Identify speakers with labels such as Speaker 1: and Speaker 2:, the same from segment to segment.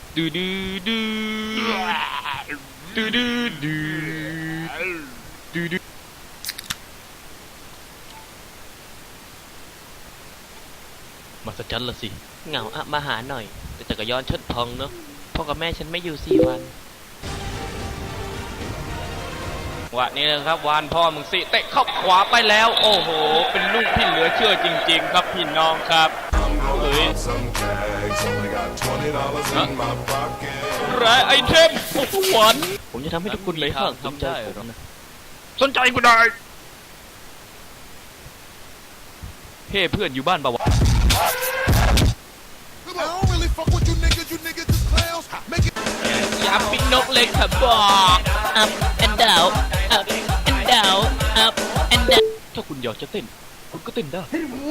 Speaker 1: ดูดูดูดูดูดูดูดูมาสัจจันละสิเหงาอะมาหาหน่อยแต่จักรยานฉันพังเนาะพ่อกับแม่ฉันไม่อยู่4 วันวะนี่นะครับวานพ่อมึงสิเตะเข้าขวาไปแล้วโอ้โหเป็นลูกที่เหลือเชื่อจริงๆครับพี่น้องครับเฮ้ยไรไอเทมโอ้โหหวานผมจะทำให้ทุกคนเลยห้างสนใจผมนะสนใจกูได้เฮ้เพื่อนอยู่บ้านป่าวะอย่าปิ้งนกเลยค่ะบอก up and down up and down up and down ถ้าคุณอยากจะเต้นคุณก็เต้นได้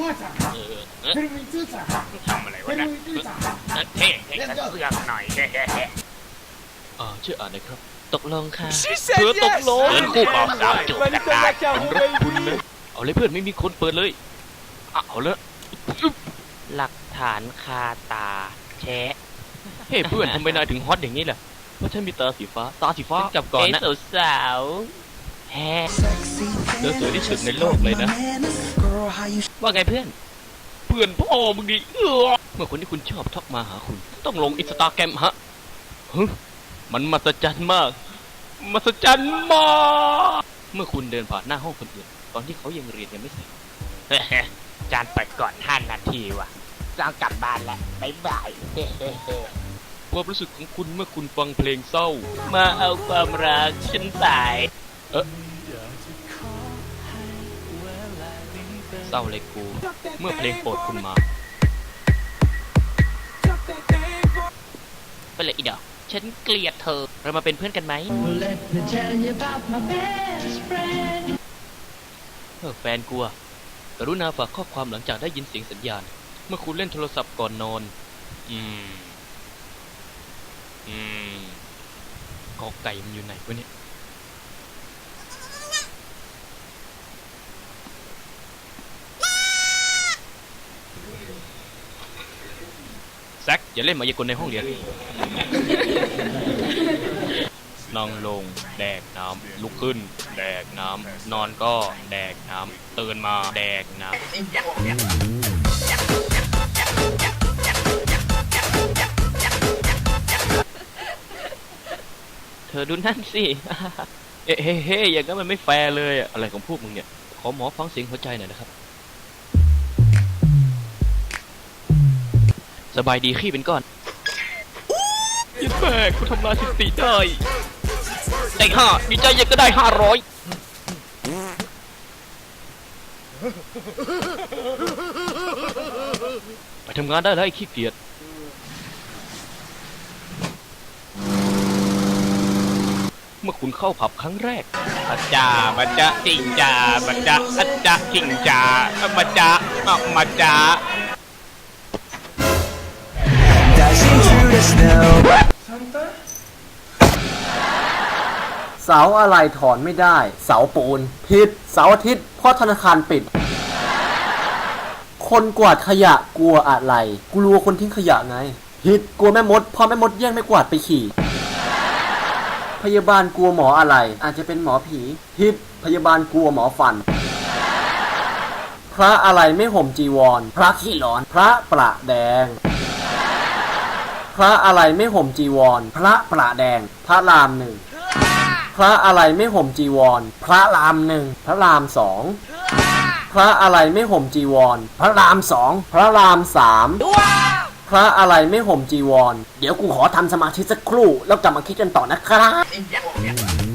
Speaker 1: ทำอะไรวะนะเท่เสื้อหน่อยช่วยอ่านหน่อยครับตกลงค่ะเธอตกลงเดินคู่ออกสาวจูบกันได้ผมรักคุณนะเอาเลยเพื่อนไม่มีคนเปิดเลยเอาเลยหลักฐานคาตาแชะเฮ้เพื่อนทำไมนายถึงฮอตอย่างนี้ล่ะเพราะฉันมีตาสีฟ้าจับก่อนนะสาวแฮ่เธอสวยที่สุดในโลกเลยนะว่าไงเพื่อนพ่อมึงดิเมื่อคนที่คุณชอบทักมาหาคุณต้องลงอินสตาแกรมฮะมันมหัศจรรย์มากเมื่อคุณเดินผ่านหน้าห้องคนอื่นตอนที่เขายังเรียนยังไม่เสร็จจานเปิดก่อน5 นาทีว่ะจะกลับบ้านแล้วบ๊ายบายความรู้สึกของคุณเมื่อคุณฟังเพลงเศร้ามาเอาความรักฉันไปเศร้าเลยกูเมื่อเพลงโปรดคุณมาไปเลยอีดอกฉันเกลียดเธอเรามาเป็นเพื่อนกันไหมแฟนกูอะกรุณาฝากข้อความหลังจากได้ยินเสียงสัญญาณเมื่อคุณเล่นโทรศัพท์ก่อนนอนกอไก่มันอยู่ไหนวะเนี่ยแซคอย่าเล่นมายากลในห้องเรียนนั่งลงแดกน้ำลุกขึ้นแดกน้ำนอนก็แดกน้ำตื่นมาแดกน้ำเธอดูนั่นสิเฮ้อย่างนั้นมันไม่แฟร์เลยอะไรของพวกมึงเนี่ยขอหมอฟังเสียงหัวใจหน่อยนะครับสบายดีขี้เป็นก้อนยิ่งแม่กูทำลายสถิติได้ไอ้5ดีใจยังก็ได้500ไปทำงานได้แล้วไอ้ขี้เกียจเมื่อคุณเข้าผับครั้งแรกอาจาบัจจะจิงจาบัจจะอาจจะจิงจาบัจจะมาจา
Speaker 2: เสาอะไรถอนไม่ได้เสาปูนผิดเสาอาทิตย์เพราะธนาคารปิดคนกวาดขยะกลัวอะไรกลัวคนทิ้งขยะไงผิดกลัวแม่มดเพราะแม่มดแย่งไม่กวาดไปขี่พยาบาลกลัวหมออะไรอาจจะเป็นหมอผีผิดพยาบาลกลัวหมอฟันพระอะไรไม่ห่มจีวรพระขี้ร้อนพระประแดงพระอะไรไม่ห่มจีวรพระประแดงพระราม1พระอะไรไม่ห่มจีวรพระราม1พระราม2พระอะไรไม่ห่มจีวรพระราม2พระราม3พระอะไรไม่ห่มจีวรเดี๋ยวกูขอทำสมาธิสักครู่แล้วกลับมาคิดกันต่อนะครับ